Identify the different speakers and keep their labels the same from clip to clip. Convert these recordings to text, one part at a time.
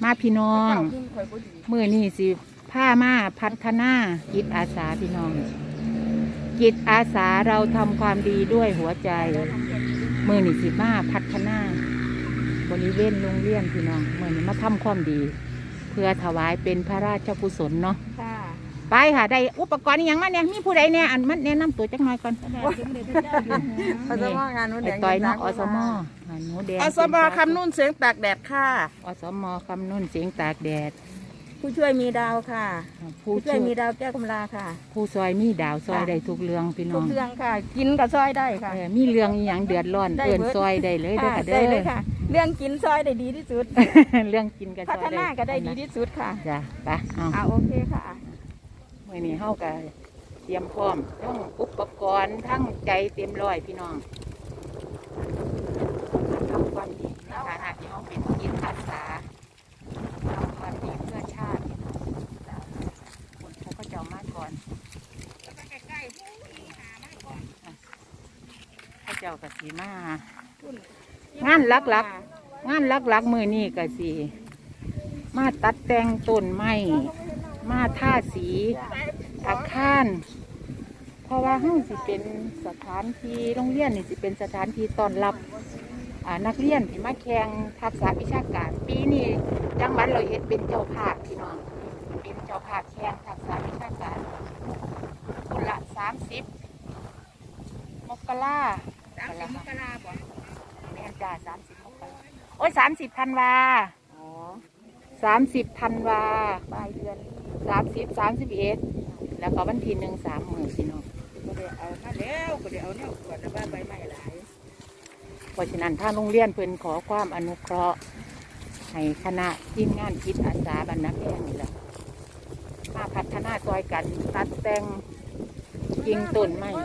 Speaker 1: มาพี่น้องมื้อนี้สิพามาพัฒนาจิตอาสาพี่น้องจิตอาสาเราทำความดีด้วยหัวใจมื้อนี้สิมาพัฒนาบริเวณโรงเรียนพี่น้องมื้อนี้มาทำความดี เพื่อถวายเป็นพระราชกุศลเนาะไปค่ะได้อุปกรณ์อย่างมาเนี่ยมีผู้ใดเนี่ยอันมันแนะนำตัวจักหน่อยก่อน
Speaker 2: อสมงานนู้นแดง
Speaker 1: ต่อยเนาะอสมหนูแดง
Speaker 2: อสมคำนุ่นเสียงตากแดดค่ะ
Speaker 1: อสมคำนุ่นเสียงตากแดด
Speaker 2: ผู้ช่วยมีดาวค่ะผู้ช่วยมีดาวแก้วกำลาค่ะ
Speaker 1: ผู้ซอยมีดาวซอยได้ทุกเรื่องพี่น้อง
Speaker 2: ทุกเรื่องค่ะกินกับซอยได้ค่ะ
Speaker 1: มีเรื่องอย่างเดือดร้อนเอิ้นซอยได้เลยเด้อค่ะ
Speaker 2: ได้เลยค่ะเรื่องกินซอยได้ดีที่สุด
Speaker 1: เรื่องกินกับซอย
Speaker 2: พัฒนาก็ได้ดีที่สุดค่ะ
Speaker 1: จ้ะไป
Speaker 2: เอาโอเคค่ะ
Speaker 1: มื้อนี้เฮาก็เตรียมพร้อมทั้งอุปกรณ์ทั้งใจเต็มร้อยพี่น้องทำความดีในฐานะที่เฮาเป็นจิตอาสาทำความดีเพื่อชาติคนเขาก็จะมาก่อนเขาเจ้าก็สิมางานหลักมื้อนี้ก็สิมาตัดแต่งต้นไม้มาท่าสีอาคารเพราะว่าห้องสิเป็นสถานที่โรงเรียนนี่สิเป็นสถานที่ต้อนรับนักเรียนที่มาแข่งทักษะวิชาการปีนี้จังหวัดเราเอ็ดเป็นเจ้าภาพพี่น้องเป็นเจ้าภาพแข่งทักษะวิชาการคนละ30 มกราบ่แม่นจ้า30 มกราโอ้ย30 ธันวา30 ธันวาปลายเดือน30 31แล้วก็วันที่1 3 มื้อพี่น้อง
Speaker 2: ก็ได้เอามาแล้วก็ได้เอาเนี่ยขวดใบไม้หลาย
Speaker 1: เพราะฉะนั้นทางโรงเรียนเพิ่นขอความอนุเคราะห์ให้คณะทีมงานจิตอาสาบ้านนาแพงนี่แหละมาพัฒนาซอยกันตัดแต่งกิ่งต้นไม้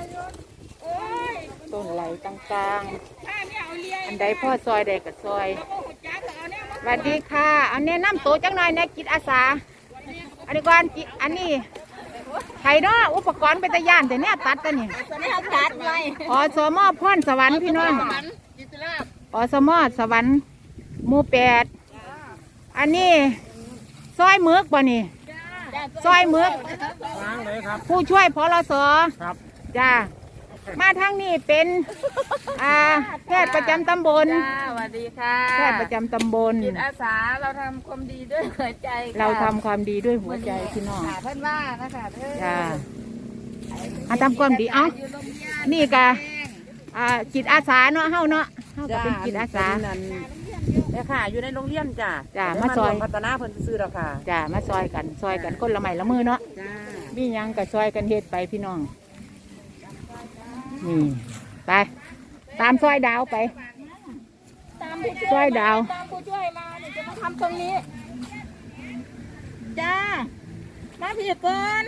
Speaker 1: ต้นไหลต่างๆอันใดพ่อซอยใดก็ซอยสวัสดีค่ะอันนี้น้ำโตจังหน่อยในจิตอาสาอันนี้ก่อนอันนี้ไข่เนาะอุปกรณ์เป็นตะย่านแต่เนี่ยตัดแต่เนี่ย
Speaker 2: ตัดเลย
Speaker 1: อสมพรสวรรค์พี่น้องอสมสวรรค์หมู่8อันนี้ซอยมึกบ่นี่ซอยมึกผู้ช่วยพลสจ้ามาทางนี้เป็นแพทย์ประจำตำบล
Speaker 2: สวัสดีค่ะ
Speaker 1: แพทย์ประจำตำบล
Speaker 2: จิตอาสาเราทำความดีด้วยหัวใจ
Speaker 1: เราทำความดีด้วยหัวใจพี่น้อง
Speaker 2: เพื่อนว่านะคะ
Speaker 1: จ้าทำความดีนี่กะจิตอาสาเนาะเฮาเนาะเฮาก็เป็นจิตอาสา
Speaker 2: เนี่ยค่ะอยู่ในโรงเรียน
Speaker 1: จ้ามาซอย
Speaker 2: พัฒนาเพิ่นซื้อแล้วค่ะ
Speaker 1: จ้ามาซอยกันคนละไม้ละมือเนาะมีหยังก็ซอยกันเฮ็ดไปพี่น้องนี่ไปตามซอยดาวไปซอยดาว
Speaker 2: ตามผู้ช่วยมาเดี๋ยวจะมาทำตรงนี้จ้ามาพี่ก่อน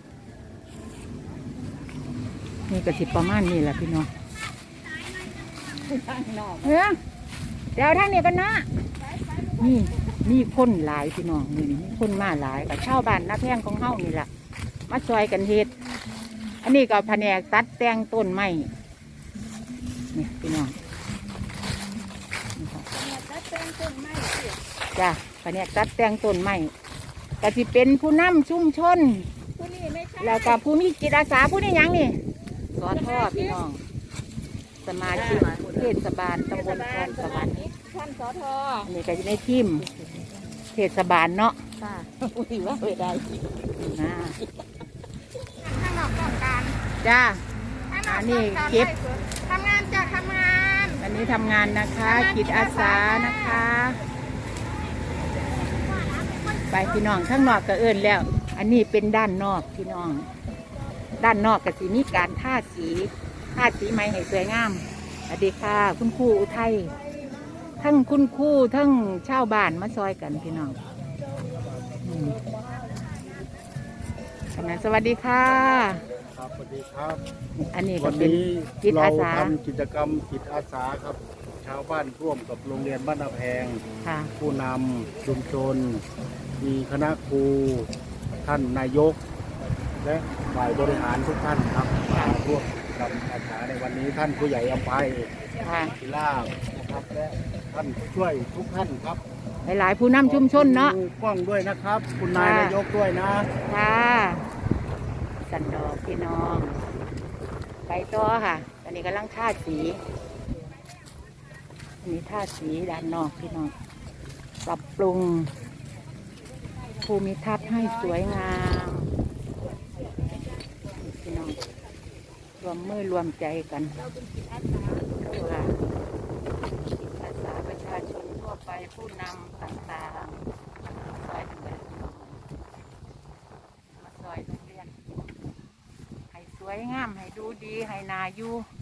Speaker 1: นี่ก็สิประมาณนี้แหละพี่น้องเดี๋ยวทางนี้กันนะนี่คนหลายพี่น้องนี่คนมาหลายกับชาวบ้านนาแพงของเฮานี่แหละมาซอยกันเฮ็ดอันนี้ก็แผนกตัดแต่งต้นไม้นี่พี่น้องจ้ะแผนกตัดแต่งต้นไม้ก็จะเป็นผู้นำชุมชนแล้วก็ผู้มีจิตอาสาผู้นี้ยังนี่สอทอพี่น้องสมาชิกเทศบาลตำบลคลองสวรรค์
Speaker 2: ท่านสอทอ
Speaker 1: นี่ก็จะในทีมเทศบาลเนาะ
Speaker 2: ค่ะอุ้ยว่าไม่ได้
Speaker 1: นะ
Speaker 2: ข้างนอกต้องการ
Speaker 1: จ้าอันนี้เก็บ
Speaker 2: ทำงานจะทำงาน
Speaker 1: อันนี้ทำงานนะคะจิตอาสานะคะไปพี่น้องข้างนอกก็เอิ้นแล้วอันนี้เป็นด้านนอกพี่น้องด้านนอกก็สิมีการทาสีไม้ให้สวยงามสวัสดีค่ะคุณครูอุทัยทั้งคุณครูทั้งชาวบ้านมาซอยกันพี่น้องขณะสวัสดีค่ะ
Speaker 3: ครับสวัสดีครับ
Speaker 1: อันนี้ก็เป็นจิตอาสา
Speaker 3: ทำกิจกรรมจิตอาสาครับชาวบ้านร่วมกับโรงเรียนบ้านนาแพงผู้นำชุมชนมีคณะครูท่านนายกและฝ่ายบริหารทุกท่านครับมาร่วมกับอาสาในวันนี้ท่านผู้ใหญ่อภัยศิลานะครับและท่านผู้ช่วยทุกท่านครับ
Speaker 1: หลายๆผู้นำชุมชนเนาะ
Speaker 3: ขอบคุณกล้องด้วยนะครับ คุณนายนายกด้วยนะ
Speaker 1: ค่ะสันดอกพี่น้องไปต่อค่ะอันนี้กำลังทาสีอันนี้ทาสีด้านนอกพี่น้องปรับปรุงภูมิทัศน์ให้สวยงามพี่น้องรวมมือรวมใจกันค่ะจิตอาสาประชาชนทั่วไปผู้นำต่างๆซอยเดินมาซอยโรงเรียนให้สวยงามให้ดูดีให้นาอยู่